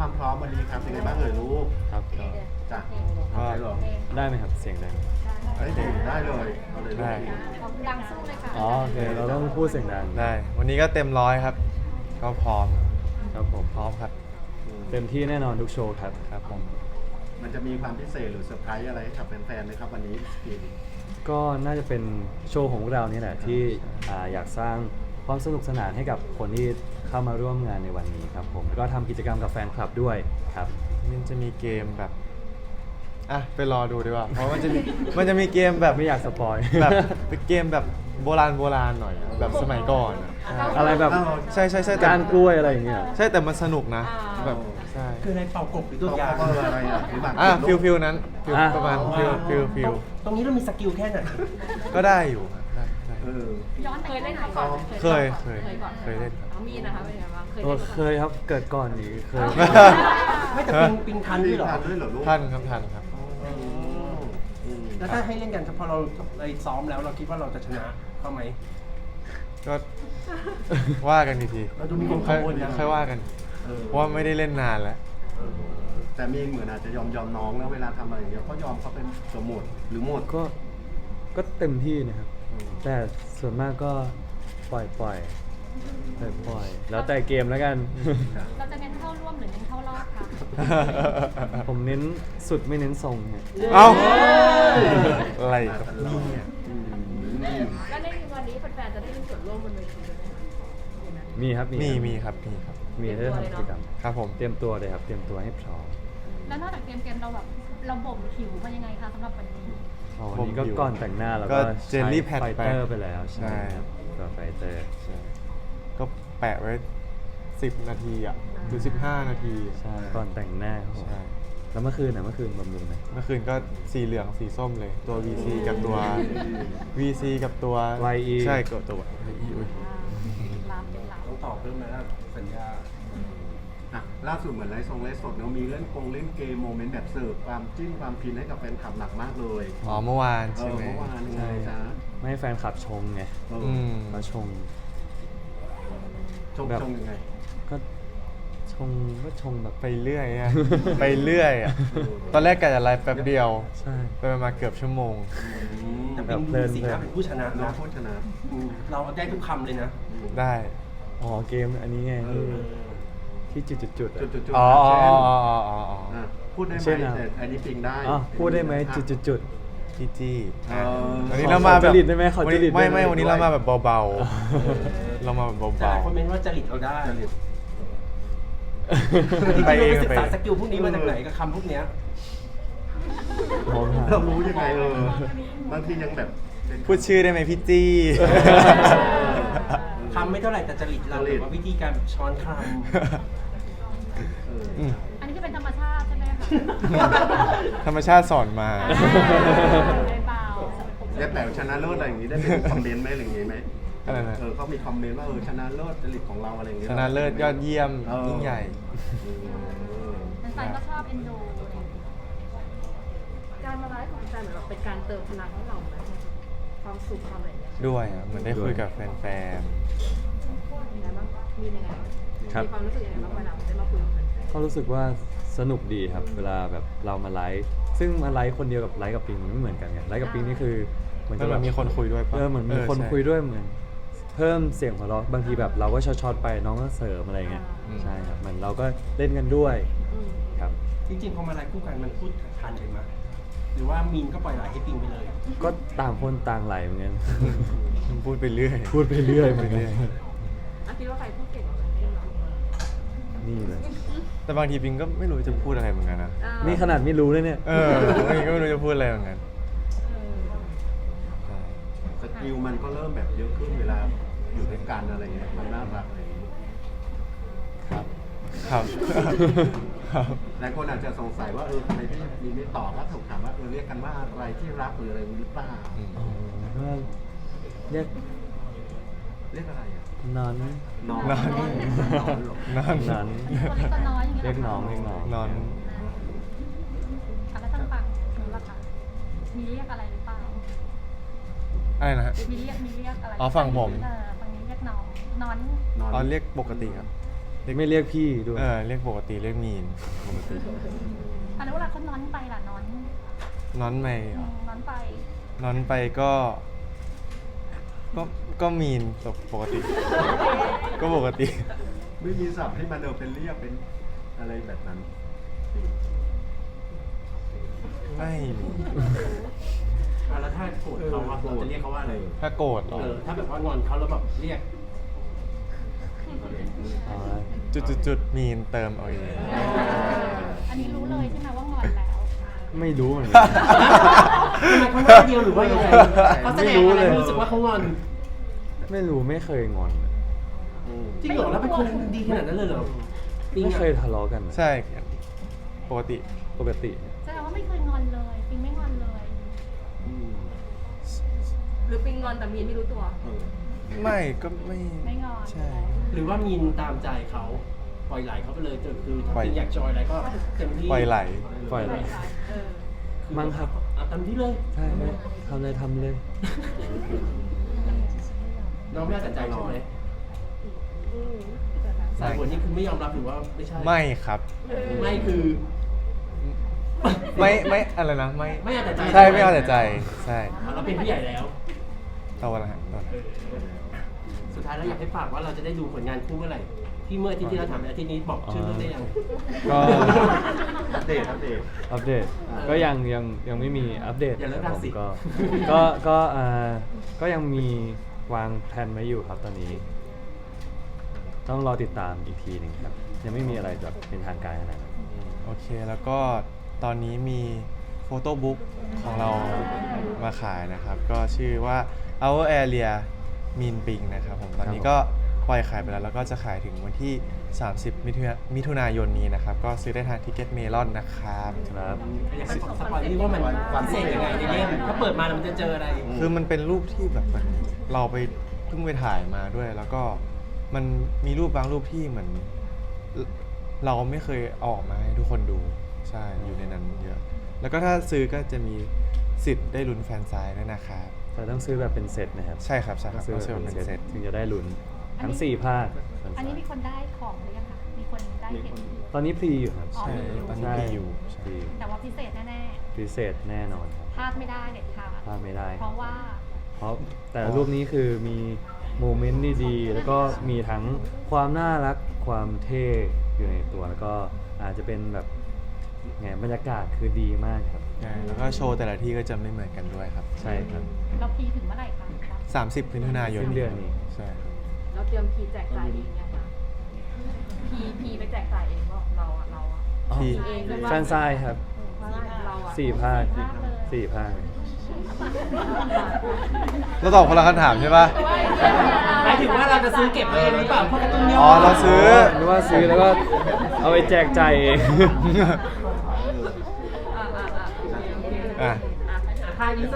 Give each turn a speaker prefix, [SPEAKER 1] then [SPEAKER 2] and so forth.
[SPEAKER 1] ความพร้อมวันนี้ครับเป็นไงบ้างเอ่ยลูก
[SPEAKER 2] ครับ
[SPEAKER 1] จ้ะ
[SPEAKER 2] ก็
[SPEAKER 1] ได้เหรอ
[SPEAKER 2] ได้ไหมครับเสียงดัง
[SPEAKER 1] ได้เลยเอาเลยลูก
[SPEAKER 3] ได้
[SPEAKER 4] ดังสู้เลยค่ะ
[SPEAKER 2] อ๋อโอเคเราต้องพูดเสียงดัง
[SPEAKER 3] ได้ วันนี้ก็เต็มร้อยครับ ก็พร้อม
[SPEAKER 2] ครับผม
[SPEAKER 3] พร้อมครับ
[SPEAKER 2] เต็มที่แน่นอนทุกโชว์ครับ
[SPEAKER 3] ครับผม
[SPEAKER 1] มันจะมีความพิเศษหรือเซอร์ไพรส์อะไรให้กับแฟนๆไหมครับวันนี้สกีน
[SPEAKER 2] ก็น่าจะเป็นโชว์ของพวกเรานี่แหละที่อยากสร้างความสนุกสนานให้กับคนที่เข้ามาร่วมงานในวันนี้ครับผมก็ทำกิจกรรมกับแฟนคลับด้วยครับ
[SPEAKER 3] มันจะมีเกมแบบไปรอดูดีกว่า เพราะมันจะมีเกมแบบ
[SPEAKER 2] ไม่อยากสปอย
[SPEAKER 3] แบบเป็นเกมแบบโบราณหน่อยอะแบบสมัยก่อนอะ
[SPEAKER 2] อะไรแบบ
[SPEAKER 3] ใช่แต่
[SPEAKER 2] การกล้วยอะไรอย่างเงี้ย
[SPEAKER 3] ใช่แต่มันสนุกนะแบบใช่
[SPEAKER 5] คือในเป่ากบหรือตั
[SPEAKER 1] ตัว
[SPEAKER 5] วยา
[SPEAKER 1] เขาอะไรอ่ะหรือหมาก
[SPEAKER 3] ฟิลนั้นฟิลประมาณฟิล
[SPEAKER 5] ตรงนี้เรามีสกิลแค่ไหน
[SPEAKER 3] ก็ได้อยู่ครับได้
[SPEAKER 1] เออ
[SPEAKER 4] ย้อนเคยเล่นมาก่อน
[SPEAKER 3] เคย
[SPEAKER 4] ก่อน
[SPEAKER 3] เคยเล่น
[SPEAKER 4] เอามีดนะคะเป็นไงบ้างเคย
[SPEAKER 2] โอ้
[SPEAKER 4] เล่นมา
[SPEAKER 2] เคยครับเกิดก่อนนี้เคย
[SPEAKER 5] ไม่แต่ปิงทันด้วยเหรอ
[SPEAKER 1] ทันด้วยเหรอลูก
[SPEAKER 3] ทันครับ
[SPEAKER 5] แล้วถ้าให้เล่นกันพอเราไปซ้อมแล้วเราคิดว่าเราจะชนะเขาไหม
[SPEAKER 3] ก็ว่ากันอีกที
[SPEAKER 5] เราดูมีความกังวลนะ
[SPEAKER 3] ค่อยว่ากัน
[SPEAKER 1] เออ
[SPEAKER 3] เพราะว่าไม่ได้เล่นนานแล้ว
[SPEAKER 1] แต่มีเหมือนอาจจะยอมน้องแล้วเวลาทำอะไรอย่างเงี้ยก็ยอมเขาเป็นตัวหมดหรือหมด
[SPEAKER 2] ก็เต็มที่นะครับ แต่ส่วนมากก็ปล่อยแล้วแต่เกมแล้วกัน
[SPEAKER 4] เราจะเน้นเข้าร่วมหรือเน้นเข้ารอบคะ
[SPEAKER 2] ผมเน้นสุดไม่เน้นทรงเนี่ย
[SPEAKER 3] เอ้าอะไรครับ
[SPEAKER 1] เนี่ย
[SPEAKER 4] แล้วในวันนี้แฟนๆจะได้มีส่วนร่วมบนเวทีด้วยไหมคะ
[SPEAKER 2] มีครับ
[SPEAKER 3] มีครับ
[SPEAKER 2] มีได้ทำกิจกรรม
[SPEAKER 3] ครับผม
[SPEAKER 2] เตรียมตัวเลยครับเตรียมตัวให้พร้อม
[SPEAKER 4] แล้วนอกจากเกมเราแบบเราบ่มผิวมันยังไงคะสำหรับวันนี้
[SPEAKER 2] วันนี้ก็ก่อนแต่งหน้าเรา
[SPEAKER 3] ก็
[SPEAKER 2] ก็
[SPEAKER 3] เจลลี่แพด
[SPEAKER 2] ไฟ
[SPEAKER 3] ไป
[SPEAKER 2] เตอร์ไปแล้ว
[SPEAKER 3] ใช่
[SPEAKER 2] ครับตัวไฟเตอร์
[SPEAKER 3] ใช่ก็แปะไว้10 นาทีอ่ะหรือ15 นาที
[SPEAKER 2] ใช่ก่อนแต่งหน้าครับผม
[SPEAKER 3] ใช่
[SPEAKER 2] แล้วเมื่อคืนบำรุงไหม
[SPEAKER 3] เมื่อคืนก็สีเหลืองสีส้มเลย ตัว VC กับตัว VC กับตัว
[SPEAKER 2] YE
[SPEAKER 3] ใช่กับตัว YE อุ๊ย
[SPEAKER 4] ลามเป็นลาม
[SPEAKER 5] ต้องตอบเพิ่มไหมล่ะสัญญา
[SPEAKER 1] อ่ะล่าสุดเหมือนไลฟ์สดเนาะมีเล่นเกมโมเมนต์แบบเสิร์ฟความจิ้นความพินให้กับแฟนคลับหนักมากเลย
[SPEAKER 3] อ๋อเมื่อวาน
[SPEAKER 1] เอ
[SPEAKER 3] ใช่
[SPEAKER 1] อ
[SPEAKER 3] ไหม
[SPEAKER 1] เมื่อวานยังไงจ๊ะ
[SPEAKER 2] ไม่ให้แฟนคลับชงไง
[SPEAKER 1] เออ
[SPEAKER 3] อืม
[SPEAKER 2] มาชง
[SPEAKER 1] ชง
[SPEAKER 2] แบบ
[SPEAKER 1] ชงยังไง
[SPEAKER 2] ก็ชงแบบ
[SPEAKER 3] ไปเรื่อยอะ ไปเรื่อยอะตอนแรกกะจะไลฟ์แป๊บเดียว
[SPEAKER 2] ใช่
[SPEAKER 3] ไปมาเกือบชั่วโมง
[SPEAKER 5] แต่
[SPEAKER 2] แบ
[SPEAKER 5] เป็
[SPEAKER 2] บ
[SPEAKER 5] น
[SPEAKER 2] เพลิน
[SPEAKER 5] สีหน้าเป็นผู้ชนะ
[SPEAKER 1] น้อง
[SPEAKER 5] นะ
[SPEAKER 1] โคชนะ
[SPEAKER 5] เราได้ทุกคำเลยนะ
[SPEAKER 3] ได้
[SPEAKER 2] อ๋อเกมอันนี้ไง
[SPEAKER 1] เออ
[SPEAKER 2] ที่จุดๆอะ
[SPEAKER 1] จุด
[SPEAKER 3] อ๋อ
[SPEAKER 1] ๆเช่น
[SPEAKER 3] อ๋อ
[SPEAKER 1] อ่ะพูดได้ไหม
[SPEAKER 2] เช่นอะไร
[SPEAKER 1] แต่อันนี้ปิงได้
[SPEAKER 2] อ๋อพูดได้ไหมจุด
[SPEAKER 3] พี่จี้
[SPEAKER 1] เออ
[SPEAKER 3] วันนี้เรามาแบบ
[SPEAKER 2] ขอจริตได้ไหมขอจริตได้ไหม
[SPEAKER 3] ไม่วันนี้เรามาแบบเบาๆ เรามาแบบ
[SPEAKER 5] แต่ห
[SPEAKER 3] เบา
[SPEAKER 5] ลายคนเมนต์ว่าจริตเราได้
[SPEAKER 1] จริต
[SPEAKER 3] ๆ ไปเอง
[SPEAKER 5] ศึก
[SPEAKER 3] ไป
[SPEAKER 5] ษาสกิลพวกนี้มาจากไหนกับคำพวกเนี้ย
[SPEAKER 2] มองหา
[SPEAKER 1] เรารู้ยังไงบางทียังแบบเป็น
[SPEAKER 3] พูดชื่อได้ไหมพี่จี้
[SPEAKER 5] คำไม่เท่าไหร่แต่จริตเราหรือว่าวิธีการช้อนค
[SPEAKER 1] เออ
[SPEAKER 3] อืม
[SPEAKER 4] อันนี้คือเป็นธรรมชาติใช่ไหมคะ
[SPEAKER 3] ธรรมชาติสอนมา
[SPEAKER 4] ไม่เบา
[SPEAKER 1] แล้วแต่ชนะเลิศอะไรอย่างนี้ได้เป็นคอมเมนต์ไหมอะไรอย่างนี้ไหม
[SPEAKER 3] อะไรนะ
[SPEAKER 1] เขามีคอมเมนต์ว่าชนะเลิศจริตของเราอะไรอย่างเงี้ย
[SPEAKER 3] ชนะเลิศยอดเยี่ยม
[SPEAKER 1] เออ
[SPEAKER 3] ยิ่งใหญ่
[SPEAKER 4] แฟนๆก็ชอบเอ็นดูการมาไลฟ์ของแฟนเหมือนแบบเป็นการเติมพลังให้เราไหมความสุขความอะไรอย่างเงี้ย
[SPEAKER 3] ด้วยอะเหมือนได้คุยกับแฟน
[SPEAKER 4] ยังไงบ้างมียังไงบ้าง
[SPEAKER 2] ครับ
[SPEAKER 4] มีความรู้สึกยังไงบ้างเวลาได้มาคุยกับแฟน
[SPEAKER 2] ก็รู้สึกว่าสนุกดีครับ เวลาแบบเรามาไลฟ์ซึ่งมาไลฟ์คนเดียวกับไลฟ์กับปิงมันไม่เหมือนกันไงไลฟ์กับปิงนี่คือเหมือน
[SPEAKER 3] ๆ
[SPEAKER 2] กั
[SPEAKER 3] มันมีคนคุยด้วยปะ
[SPEAKER 2] เหมือนมีคน
[SPEAKER 3] ใช่
[SPEAKER 2] คุยด้วยเหมือนเพิ่มเสียงหัวเราะบางทีแบบเราก็ช็อตๆไปน้องก็เสริมอะไรเงี้ย
[SPEAKER 3] อืม
[SPEAKER 2] ใช่ครับเหมือนเราก็เล่นกันด้วย
[SPEAKER 4] อืม
[SPEAKER 2] ครับ
[SPEAKER 5] จริงๆพอมาไลฟ์คู่กันมันพูดทันกันไหมหรือว่ามีนก็ปล่อยไหลให้ปิงไปเลย
[SPEAKER 2] ก็ต่างคนต่างไหลเหมือนกัน
[SPEAKER 3] มันพูดไปเรื่อย
[SPEAKER 2] พูดไปเรื่อยเหมือนกัน
[SPEAKER 4] อ่ะคิดว่าใครพูดเก่งกว่ากันได้เหรอ
[SPEAKER 2] นี่เลย
[SPEAKER 3] แต่บางทีปิงก็ไม่รู้จะพูดอะไรเหมือนกันนะ
[SPEAKER 2] นี่ขนาดไม่รู้เลยเนี่ย
[SPEAKER 3] บางทีก็ไม่รู้จะพูดอะไรเหมือนกันใช่
[SPEAKER 1] สกิลมันก็เริ่มแบบเยอะขึ้นเวลาอยู่ด้วยกันอะไรเงี้ยมันน่ารักอะไรอย่างเงี้ย
[SPEAKER 3] ครับ ครับ ครับ
[SPEAKER 1] หลายคนอาจจะสงสัยว่าทำไมพี่มีไม่ตอบว่าถูกถามว่าเรียกกันว่าอะไรที่รักหรืออะไรหรือเปล่า
[SPEAKER 3] อืม
[SPEAKER 2] อ๋อก็เรียก
[SPEAKER 1] เรียกอะไรอ่ะ
[SPEAKER 2] นอน
[SPEAKER 1] นอน
[SPEAKER 3] นอน
[SPEAKER 1] เหรอ
[SPEAKER 3] นอน
[SPEAKER 2] นอน
[SPEAKER 4] ตัวเล็กตัวน้อยอย่างเงี้ย
[SPEAKER 2] เรียกน้องเรียกน้อง
[SPEAKER 3] นอน
[SPEAKER 4] อ่ะแล้วทางฝั่งนู้นล่ะคะมีเรียกอะไรหรือเปล่า
[SPEAKER 3] อะไรนะฮะ
[SPEAKER 4] มีเรียกอะไร
[SPEAKER 3] อ๋อฝั่งผม
[SPEAKER 4] ฝั่งนี้เรียกน้องนอน
[SPEAKER 1] นอน
[SPEAKER 3] อ๋อเรียกปกติครับ เ
[SPEAKER 2] ไม่เรียกพี่ด้วย
[SPEAKER 3] เรียกปกติเรียกมีนปกติ
[SPEAKER 4] อันนี้เวลาเขานอนไปล่ะนอน
[SPEAKER 3] น้อนไม่เหรอ
[SPEAKER 4] นอนไป
[SPEAKER 3] น้อนไปก็ก็มีนปกติ ก็ปกติ
[SPEAKER 1] ไม่มีศัพท์ให้มันเป็นเรียกเป็นอะไรแบบนั้น
[SPEAKER 3] ไม่มี
[SPEAKER 5] แล้วถ้าโกรธเขาอะเราจะเรียกเขาว่าอะไร
[SPEAKER 3] ถ้าโกรธเหรอ
[SPEAKER 5] ถ้าแบบว่างอนเขาแล้วแบบเรียก
[SPEAKER 2] อ๋อ
[SPEAKER 3] จุดมีนเติมเอาเอง
[SPEAKER 4] อันนี้รู้เลยใช่ไหมว่างอนแล้ว
[SPEAKER 2] ไม่รู้เหมือนกัน
[SPEAKER 5] ทำไมเขาหน้าเดียวหรือว่ายังไงเขาแสดงอะไรให้รู้สึกว่าเขางอน
[SPEAKER 2] ไม่รู้ไม่เคยงอน
[SPEAKER 5] จริงเหรอแล้วเป็นคนดีขนาดนั้นเลยเหรอจริง
[SPEAKER 2] ไม่
[SPEAKER 5] อะ
[SPEAKER 2] เคยทะเลาะกัน
[SPEAKER 3] ใช่ปกติ
[SPEAKER 2] ปกติ
[SPEAKER 4] แสดงว่าไม่เคยงอนเลยปิงไม่งอนเลย
[SPEAKER 6] หรือปิงงอนแต่มีนไม่รู้ตัว
[SPEAKER 3] ไม่ก็ไม่
[SPEAKER 4] ไม่งอน
[SPEAKER 3] ใช่
[SPEAKER 5] หรือว่ามีนตามใจเขาปล่อยไหลเขาไปเลยจนคือถ้า
[SPEAKER 3] ปล่อย
[SPEAKER 5] เป็นอยากจอยอะไรก็เต็มที่
[SPEAKER 3] ปล่อยไหล
[SPEAKER 2] ปล่อยเลย มั้งครับ
[SPEAKER 5] เอาเต็มที่เลย
[SPEAKER 2] ใช่ไม่ทำเลยทำเลย
[SPEAKER 5] น้องไม่เอาแต่ใจใช่ไหมสายหัวนี่คือไม่ยอมรับหรือว่าไม่ใช่
[SPEAKER 3] ไม่ครับ
[SPEAKER 5] ไม่คือ
[SPEAKER 3] ไม่อะไรนะไม่
[SPEAKER 5] ไม่เอาแต่ใจ
[SPEAKER 3] ใช่ไม่เอาแต่ใจใช่
[SPEAKER 5] เราเป็นผู้ใหญ่แล้ว
[SPEAKER 3] โตแล้วฮะโตแล้ว
[SPEAKER 5] สุดท้ายแล้วอยากให้ฝากว่าเราจะได้ดูผลงานคู่เมื่อไหร่ที่เมื่ออาทิตย์ที่เราถามอาทิตย์นี้บอกชื่อเรื่องได้ยัง
[SPEAKER 2] ก็
[SPEAKER 1] อัปเดต
[SPEAKER 2] อัปเดต ก็ยังไม่มีอัปเดต
[SPEAKER 5] อย่าเลิก
[SPEAKER 2] ครับ
[SPEAKER 5] รัก
[SPEAKER 2] ผม
[SPEAKER 5] สิ
[SPEAKER 2] ก็ยังมีวางแผนไว้อยู่ครับตอนนี้ ต้องรอติดตามอีกทีหนึ่งครับ ยังไม่มีอะไรแบบเป็นทางการขนาดนั้น
[SPEAKER 3] โอเคแล้วก็ตอนนี้มีโฟโต้บุ๊กของเรามาขายนะครับ ก็ชื่อว่า Our Area Mean Ping นะครับผมตอนนี้ก็ปล่อยขายไปแล้วก็จะขายถึงวันที่ 30 มิถุนายนนี้นะครับ ก็ซื้อได้ทางทิกเก็ตเมลอนนะครับ
[SPEAKER 2] ครับ
[SPEAKER 5] อยากให้สปอยนิดว่ามันพิเศษยังไงในเล่มถ้าเปิดมาแล้วมันจะเจออะไร
[SPEAKER 3] คือมันเป็นรูปที่แบบเหมือนเราไปเพิ่งไปถ่ายมาด้วย แล้วก็มันมีรูปบางรูปที่เหมือน เราไม่เคยเอาออกมาให้ทุกคนดูใช่อยู่ในนั้นเยอะ แล้วก็ถ้าซื้อก็จะมีสิทธิ์ได้ลุ้นแฟนไซน์ด้วยนะครับ
[SPEAKER 2] แต่ต้องซื้อแบบเป็นเซตนะครับ
[SPEAKER 3] ใช่ครับใช่ค
[SPEAKER 2] ต้
[SPEAKER 3] รั
[SPEAKER 2] อบ งซื้อ
[SPEAKER 3] ต้อง
[SPEAKER 2] แบบ
[SPEAKER 3] ซื้อ
[SPEAKER 2] เป็น
[SPEAKER 3] เป็น
[SPEAKER 2] เซ
[SPEAKER 3] เซ
[SPEAKER 2] ต
[SPEAKER 3] ต
[SPEAKER 2] ถึงจะได้ลุ้นทั้ง4ภาค
[SPEAKER 4] อันนี้มีคนได้ของหรือยังคะมีคนได้เห็น
[SPEAKER 2] ตอนนี้พรีอยู่ครับ
[SPEAKER 4] อ๋อ
[SPEAKER 3] ใช่ตอนนี้
[SPEAKER 2] ใช่
[SPEAKER 3] มีอยู่ใช่
[SPEAKER 2] พรี
[SPEAKER 4] แต่ว่าพิเศษแน่
[SPEAKER 2] พิเศษแน่นอนครับ
[SPEAKER 4] ๆพลาดไม่ได้เด็ดขาด
[SPEAKER 2] พลาดไม่ได้
[SPEAKER 4] เพราะว่า
[SPEAKER 2] เพราะแต่ละรูปนี้คือมีโมเมนต์ดีๆ แล้วก็มีทั้งความน่ารักความเท่อยู่ในตัว แล้วก็อาจจะเป็นแบบไงบรรยากาศคือดีมากครับ
[SPEAKER 3] ใช่แล้วก็โชว์แต่ละที่ก็จะไม่เหมือนกันด้วยครับ
[SPEAKER 2] ใช่ครับ
[SPEAKER 4] เราพีถึงเมื่อไหร่คะ
[SPEAKER 3] 30 มิถุนายน
[SPEAKER 2] สิ้นเดือนนี้
[SPEAKER 3] ใช่ครับ
[SPEAKER 6] เราเตรียมพีแจกจ่ายเองไงคะพีไปแจกจ่ายเองบอกเราอะ
[SPEAKER 3] ที่
[SPEAKER 6] เองเลย
[SPEAKER 2] แฟนไซน์ครับ
[SPEAKER 6] เราอะ
[SPEAKER 2] 4 ภาค 4 ภาค
[SPEAKER 3] เราตอบคนละคำถามใช่ปะ
[SPEAKER 5] หมายถึงว่าเราจะซื้อเก็บไว้เองหรือเปล่าเพราะการ์ตูนย่
[SPEAKER 3] อ๋อเราซื้อ
[SPEAKER 2] หรือว่าซื้อแล้วก็เอาไปแจกจ่ายเอง
[SPEAKER 6] อ่ะ
[SPEAKER 3] อ่ะ
[SPEAKER 5] ค่านี้